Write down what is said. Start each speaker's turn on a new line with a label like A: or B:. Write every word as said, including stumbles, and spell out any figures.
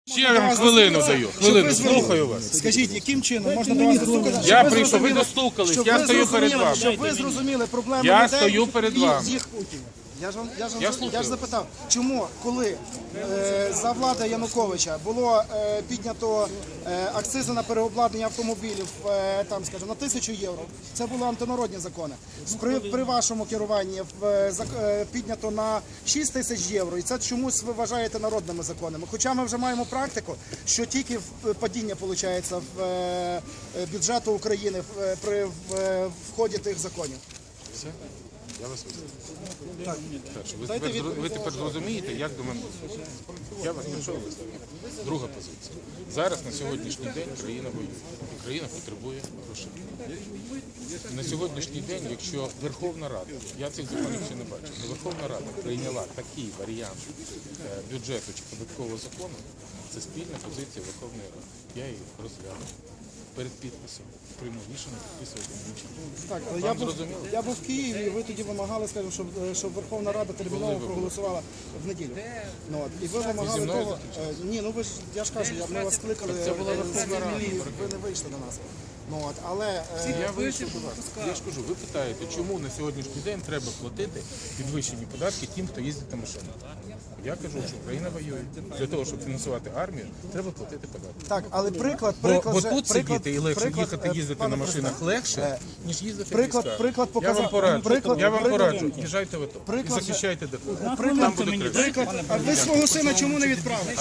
A: Ще я вам хвилину даю, хвилину, слухаю вас.
B: Скажіть, яким чином можна до вас достукатися?
A: Я прийшов, ви достукались,
B: Щоб
A: я
B: ви
A: стою перед
B: зрозуміли,
A: вами.
B: Щоб ви зрозуміли проблеми
A: Я
B: людей
A: стою перед
B: і
A: вами.
B: їх утім. Я ж вам я ж, вам-
A: Я
B: я
A: слухаю.
B: ж запитав, чому, коли е, за влади Януковича було е, піднято е, акцизи на переобладнання автомобілів е, там, скажімо, на тисячу євро, це були антинародні закони. При, при вашому керуванні е, зак- е, піднято на шість тисяч євро, і це чомусь ви вважаєте народними законами. Хоча ми вже маємо практику, що тільки в- падіння виходить в е, бюджету України в, е, при в, е, вході тих законів.
A: Все? Я вас вислухаю. Перше, ви, тепер, зро- ви тепер зрозумієте, як до мене дослухати. Я вас прийшов висловити. Друга позиція. Зараз на сьогоднішній день країна воює. І країна потребує грошей. На сьогоднішній день, якщо Верховна Рада, я цих законів ще не бачив, але Верховна Рада прийняла такий варіант е, бюджету чи податкового закону, це спільна позиція Верховної Ради. Я її розгляну. Перед підписом прийму рішення підписувати нічого.
B: Так, але я був, я був в Києві, і ви тоді вимагали, скажімо, щоб, щоб Верховна Рада терміново проголосувала в неділю. Ну, от, і ви вимагали
A: зі мною
B: того. е, Ні, ну ви ж я ж кажу, я- ми вас кликали,
A: це була
B: е,
A: Верховна Рада.
B: і ви не вийшли до нас. Ну, от, але е,
A: Я вийшов до вас. Я ж кажу, ви питаєте, чому на сьогоднішній день треба платити підвищені податки тим, хто їздить на машинах. Я кажу, що Україна воює. Для того, щоб фінансувати армію, треба платити податки.
B: так, але приклад,
A: Бо,
B: приклад
A: бо
B: же-
A: тут
B: приклад-
A: сидіти і легше
B: приклад,
A: їхати,
B: е,
A: їздити
B: пане
A: на машинах
B: президент,
A: легше,
B: е,
A: ніж їздити в
B: приклад-
A: військах.
B: приклад
A: Я
B: показав-
A: вам пораджу,
B: приклад-
A: я вам
B: приклад-
A: пораджу, їжджайте в АТО і
B: приклад-
A: захищайте ДФ.
B: приклад-
A: Там буде краще.
B: приклад, а ви свого сина чому не відправили?